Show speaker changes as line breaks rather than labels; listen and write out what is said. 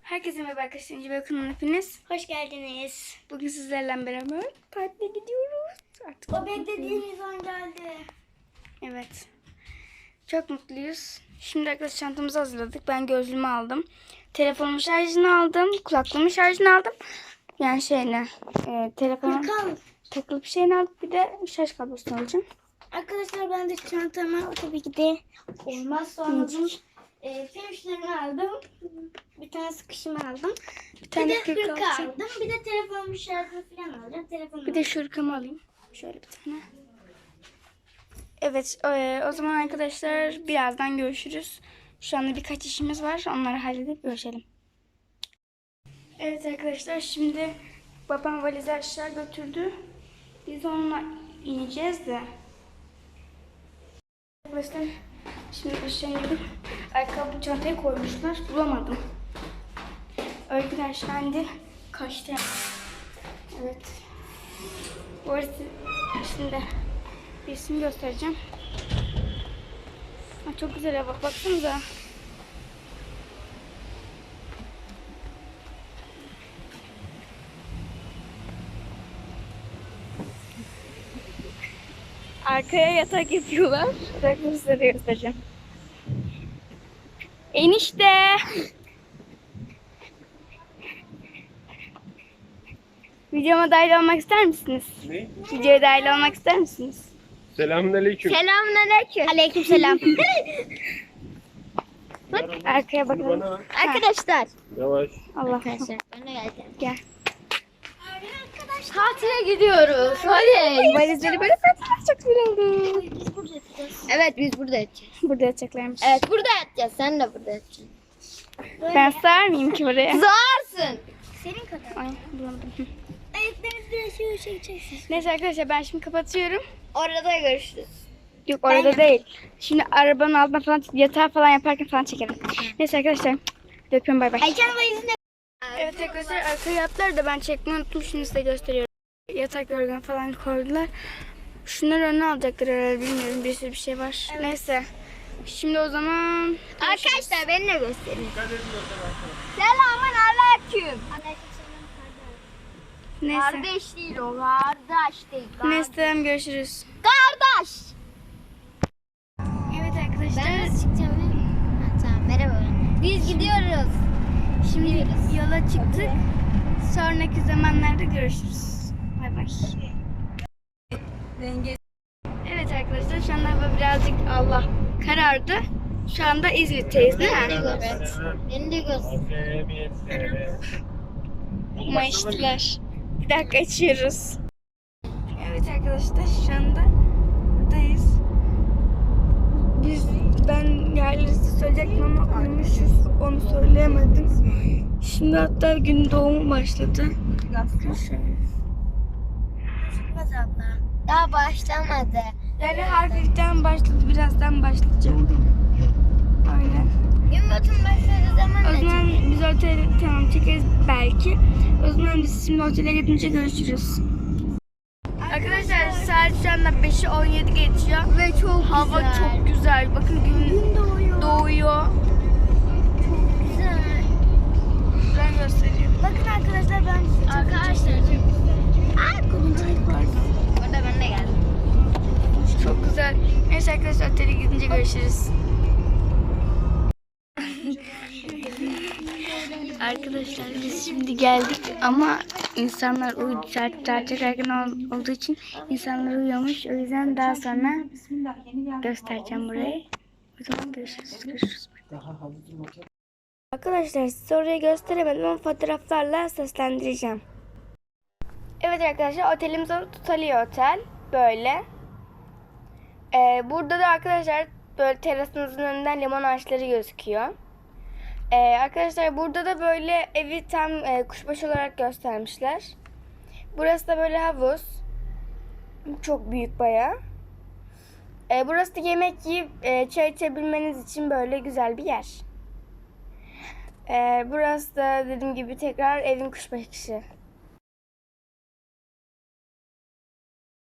Herkese merhaba arkadaşlar. İnce Bakım'ın hepiniz.
Hoş geldiniz.
Bugün sizlerle beraber tatile gidiyoruz. Artık
O beklediğiniz an geldi.
evet. Çok mutluyuz. Şimdi arkadaşlar çantamızı hazırladık. Ben gözlüğümü aldım. Telefonumun şarjını aldım. Kulaklığımın şarjını aldım. Yani telefonun takılı bir şeyini aldım. Bir de şarj kablosunu alacağım.
Arkadaşlar ben de çantama tabii ki de olmazsa olmazım. Fişlerini aldım. Bir tane sıkışımı aldım.
Bir tane
Bir de
kırk
hırka
alacağım.
aldım. Bir de telefonumun şarjını falan alacağım.
Bir de şurkamı alayım. Şöyle bir tane. Evet, o zaman arkadaşlar birazdan görüşürüz. Şu anda birkaç işimiz var. Onları halledip görüşelim. Evet arkadaşlar, şimdi babam valizi aşağı götürdü. Biz onunla ineceğiz de. Arkadaşlar şimdi aşağı indim. Ayakkabı çantaya koymuşlar. Bulamadım. Öykü aşağı indi. Kaçtı. Evet. Bu arada şimdi bir isim göstereceğim. Çok güzel hava. Baksanıza. Arkaya yatak yapıyorlar. Yatakları size de göstereceğim. Enişte. Videoma dahil olmak ister misiniz?
Ne?
Videoya dahil olmak ister misiniz?
Selamünaleyküm.
Selamünaleyküm. Aleykümselam.
Arkaya
Bunu
bakın.
bana ver.
Arkadaşlar.
Yavaş.
Allah.
Arkadaşlar ben de geldim.
Gel.
Tatile gidiyoruz. Hadi.
Valizleri böyle koydular. Çok güzel oldu.
Biz burada yatacağız. Evet biz burada yatacağız.
Burada yatacaklarmış.
Evet burada yatacağız. Sen de burada yatacaksın.
Ben sığar mıyım ki buraya?
Zarsın. Senin kadar.
Ay bulamadım.
Ayaklarınızı biraz şöyle çekeceksiniz.
Neyse arkadaşlar ben şimdi kapatıyorum.
Orada görüşürüz.
Yok orada değil. Şimdi arabanın altına falan yatağı falan yaparken falan çekerim. Neyse arkadaşlar. Öpüyorum, bay bay.
Aycan valizinde.
Evet arkadaşlar arkaya yattılar da ben çekmeyi unuttum. Şimdi size gösteriyorum. Yatak yorgan falan koydular. Şunları önüne alacaklar herhalde, bilmiyorum. Bir sürü bir şey var. Neyse. Şimdi o zaman
Arkadaşlar beni de gösterin. Selamun aleyküm.
neyse.
Kardeş değil o. Kardeş değil.
Neyse görüşürüz.
Kardeş.
Evet arkadaşlar.
Ben nasıl çıkacağım? Tamam merhaba. Biz gidiyoruz.
Şimdi yola çıktık. Sonraki zamanlarda görüşürüz. Bay bay. Evet arkadaşlar şu anda hava birazcık karardı. Şu anda İzmit'teyiz değil mi?
Evet. Beni de göster.
Mayıştılar. Bir dakika açıyoruz. Evet arkadaşlar şu anda buradayız. Ben yerleri size söyleyecektim ama uyumuşuz. Onu söyleyemedim. Şimdi hatta gün doğumu başladı.
Çıkmaz abla. Daha başlamadı.
Yani hafiften başladı. Birazdan başlayacak. Öyle.
Gün batımı başladığı zaman
O
ne
zaman biz otele tamam çekeriz belki. O zaman biz şimdi otele gidince görüşürüz. Arkadaşlar saat şu anda 5'i 17 geçiyor.
Ve çok
Hava çok güzel. Bakın gün doğuyor.
Çok güzel.
Ben göstereyim.
Bakın arkadaşlar ben size arkadaşlar çok güzel. Orada ben de geldim.
Çok güzel. Neyse arkadaşlar otele gidince görüşürüz. Arkadaşlar biz şimdi geldik ama insanlar uyudu. Saat çok erken olduğu için insanlar uyuyormuş. O yüzden daha sonra göstereceğim burayı. O zaman görüşürüz. Arkadaşlar size orayı gösteremedim ama fotoğraflarla seslendireceğim. Evet arkadaşlar otelimiz Tutali Otel. Böyle. Burada da arkadaşlar böyle terasımızın önünden limon ağaçları gözüküyor. Arkadaşlar burada da böyle evi tam kuşbaşı olarak göstermişler. Burası da böyle havuz. Çok büyük bayağı. Burası da yemek yiyip çay içebilmeniz için böyle güzel bir yer. Burası da dediğim gibi tekrar evin kuşbaşı